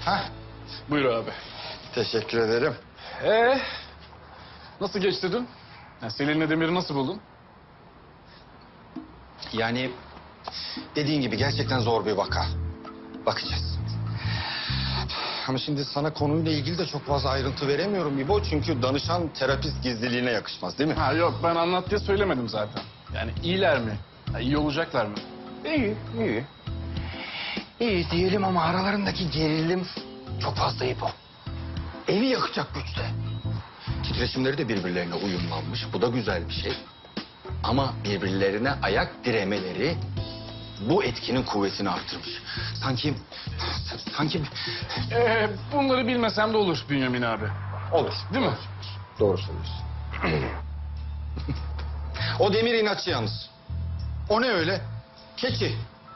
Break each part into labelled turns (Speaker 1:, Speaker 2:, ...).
Speaker 1: Hah,
Speaker 2: Buyur abi.
Speaker 1: teşekkür ederim.
Speaker 2: Nasıl geçti dün? Selin'le Demir'i nasıl buldun?
Speaker 1: Yani dediğin gibi gerçekten zor bir vaka. Bakacağız. Ama şimdi sana konuyla ilgili de çok fazla ayrıntı veremiyorum İbo. Çünkü danışan terapist gizliliğine yakışmaz değil mi?
Speaker 2: Ha yok, ben anlat diye söylemedim zaten. Yani iyiler mi? İyi olacaklar mı?
Speaker 1: İyi, iyi. İyi diyelim ama aralarındaki gerilim çok fazla İbo. Evi yakacak güçte. Titreşimleri de birbirlerine uyumlanmış. Bu da güzel bir şey. Ama birbirlerine ayak diremeleri bu etkinin kuvvetini arttırmış. Sanki
Speaker 2: Bunları bilmesem de olur Bünyamin abi.
Speaker 1: olur.
Speaker 2: Değil mi?
Speaker 1: Doğru söylüyorsun. O Demir inatçı yalnız. O ne öyle? Keçi.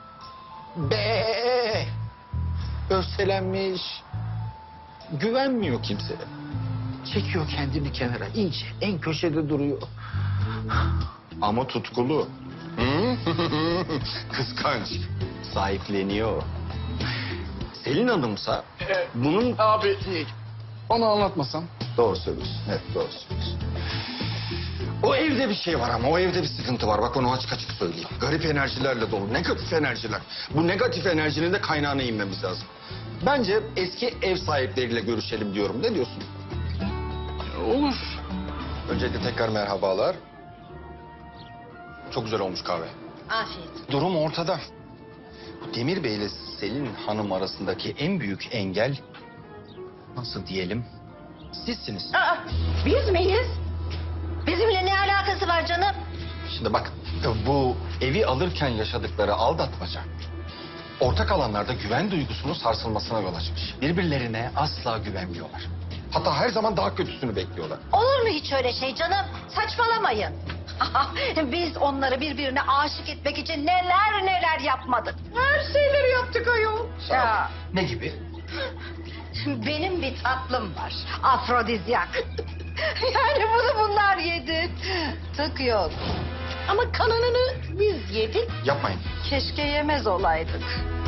Speaker 1: Be. Örselenmiş. Güvenmiyor kimseye. Çekiyor kendini kenara. İyice en köşede duruyor. Ama tutkulu. Hı? Kıskanç. Sahipleniyor. Selin Hanım'sa bunun...
Speaker 2: Abi onu anlatmasan.
Speaker 1: Doğru söylüyorsun. Evet, doğru söylüyorsun. O evde bir şey var ama o evde bir sıkıntı var. Bak onu açık açık söyleyeyim. Garip enerjilerle dolu. Negatif enerjiler. Bu negatif enerjinin de kaynağına inmemiz lazım. Bence eski ev sahipleriyle görüşelim diyorum. Ne diyorsun?
Speaker 2: Olur.
Speaker 1: Öncelikle tekrar merhabalar. Çok güzel olmuş kahve.
Speaker 3: Afiyet.
Speaker 1: Durum ortada. Bu Demir Bey ile Selin Hanım arasındaki en büyük engel... nasıl diyelim? Sizsiniz.
Speaker 3: Aa, biz miyiz? Bizimle ne alakası var canım?
Speaker 1: Şimdi bak, bu evi alırken yaşadıkları aldatmaca... ortak alanlarda güven duygusunun sarsılmasına yol açmış. Birbirlerine asla güvenmiyorlar. Hatta her zaman daha kötüsünü bekliyorlar.
Speaker 3: Olur mu hiç öyle şey canım? Saçmalamayın. Biz onları birbirine aşık etmek için neler neler yapmadık. Her şeyleri yaptık ayol. Ya,
Speaker 1: Ne gibi?
Speaker 3: benim bir tatlım var. Afrodizyak. Yani bunu bunlar yedi. Tık yok. Ama kalanını biz yedik.
Speaker 1: Yapmayın.
Speaker 3: Keşke yemez olaydık.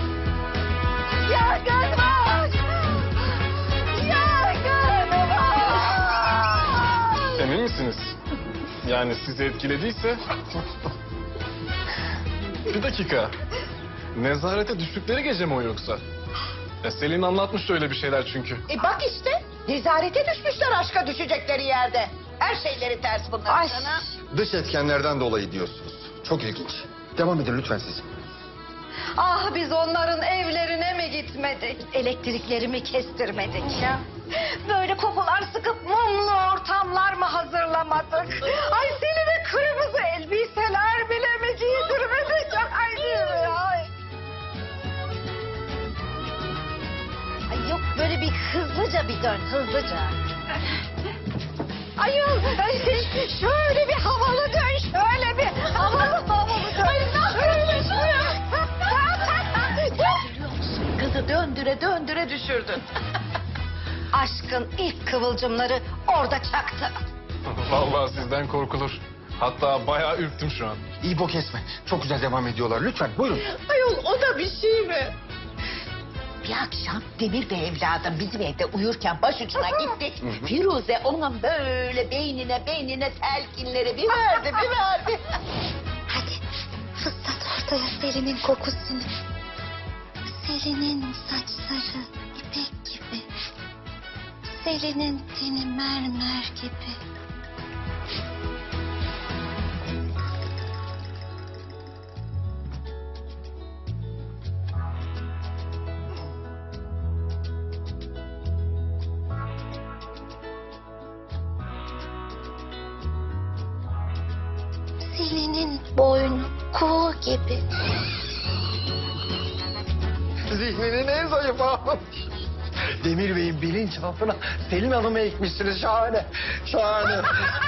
Speaker 3: Yangın var! Yangın var!
Speaker 2: Emin misiniz? Yani sizi etkilediyse... Bir dakika. Nezarete düştükleri gece mi o yoksa? Selin anlatmıştı öyle bir şeyler çünkü.
Speaker 4: Bak işte nezarete düşmüşler aşka düşecekleri yerde. Her şeyleri ters bunların
Speaker 3: Ay.
Speaker 4: sana.
Speaker 1: Dış etkenlerden dolayı diyorsunuz. Çok ilginç. Devam edin lütfen siz.
Speaker 3: Ah biz onların evlerine mi gitmedik? Elektriklerimi kestirmedik ya. Böyle kokular sıkıp mumlu ortamlar mı hazırlamadık? Ay seni de kırmızı elbiseler bile mi giydirmedik? Ay değil mi? Ay. Ay yok böyle bir hızlıca bir dön hızlıca. Ayol şöyle bir havalı dön şöyle bir havalı dön. Ay nasıl
Speaker 4: Kızı döndüre döndüre düşürdün.
Speaker 3: Aşkın ilk kıvılcımları orada çaktı.
Speaker 2: Vallahi sizden korkulur. Hatta bayağı ürktüm şu an.
Speaker 1: İyi bok kesme. Çok güzel devam ediyorlar. Lütfen buyurun.
Speaker 4: Ayol o da bir şey mi? Bir akşam Demir Bey evladım bizim evde uyurken başucuna gitti. Firuze onun böyle beynine telkinleri bir verdi.
Speaker 5: Hadi fıslat ortaya Selin'in kokusunu. Selin'in saçları ipek gibi. Selin'in teni mermer gibi. Selin'in boynu kuğu gibi.
Speaker 1: Zihninin en zayıf anı. Demir Bey'in bilinçaltına Selin Hanım'ı ekmişsiniz. Şahane. Şahane.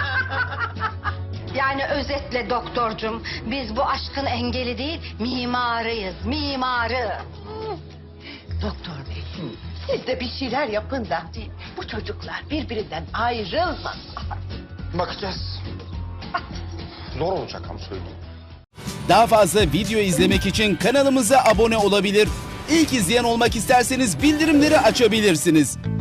Speaker 3: Yani özetle doktorcum biz bu aşkın engeli değil mimarıyız mimarı.
Speaker 4: Doktor bey siz de bir şeyler yapın da bu çocuklar birbirinden ayrılmasın.
Speaker 1: Bakacağız. Zor olacak ama söyleyeyim.
Speaker 6: Daha fazla video izlemek için kanalımıza abone olabilir. İlk izleyen olmak isterseniz bildirimleri açabilirsiniz.